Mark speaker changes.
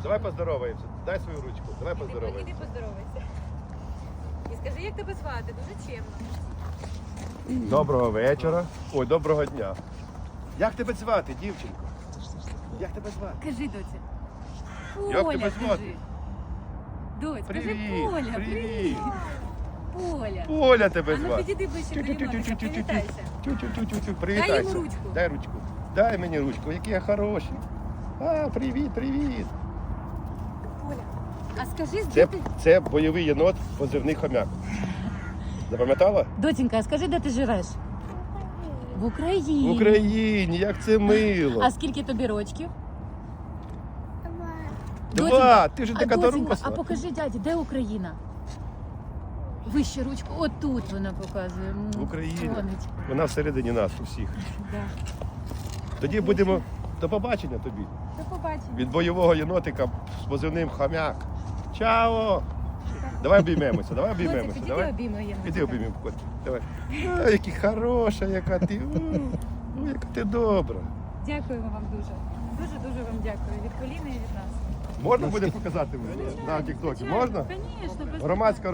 Speaker 1: Давай поздороваємося. Дай свою ручку. Давай
Speaker 2: Іди
Speaker 1: поздороваємося.
Speaker 2: поздоровайся. І скажи, як тебе звати? Дуже чемно.
Speaker 1: Доброго вечора. Ой, доброго дня. Як тебе звати, дівчинко? Як тебе звати?
Speaker 2: Кажи, доця.
Speaker 1: Як
Speaker 2: Поля,
Speaker 1: тебе звати?
Speaker 2: кажи. Доць, кажи
Speaker 1: Привіт,
Speaker 2: Поля,
Speaker 1: привіт.
Speaker 2: Поля.
Speaker 1: Поля тебе
Speaker 2: А ну
Speaker 1: звати.
Speaker 2: підійди ближче до Єнотика, привітайся.
Speaker 1: Тю-тю-тю-тю-тю. Привітайся.
Speaker 2: Дай йому ручку.
Speaker 1: Дай ручку. Дай мені ручку, який я хороший. А, привіт, привіт.
Speaker 2: Поля. А скажи,
Speaker 1: Це,
Speaker 2: де ти...
Speaker 1: це бойовий єнот, позивний хомяк. Запам'ятала?
Speaker 2: Доченька, а скажи, де ти живеш? В Україні.
Speaker 1: В Україні, як це мило.
Speaker 2: А скільки тобі рочків?
Speaker 1: Два, ти ж така
Speaker 2: доченька,
Speaker 1: доросла.
Speaker 2: а покажи дяді, де Україна? Вище ручку, отут вона показує.
Speaker 1: В Україні.
Speaker 2: Сонечко.
Speaker 1: Вона всередині нас усіх.
Speaker 2: Да.
Speaker 1: Тоді будемо до побачення тобі.
Speaker 2: До побачення.
Speaker 1: Від бойового єнотика з позивним хомяк. Чао! Давай обіймемося, давай
Speaker 2: Доця,
Speaker 1: обіймемося.
Speaker 2: підійди
Speaker 1: Давай.
Speaker 2: обійми Єнотика.
Speaker 1: Іди обіймемо котик. Давай. А, яка хороша, яка ти. Яка ти добра.
Speaker 2: Дякуємо вам дуже. Дуже вам дякую. Від коліна і від нас.
Speaker 1: Можна буде показати на тіктокі? Можна?
Speaker 2: Звісно, без
Speaker 1: Громадська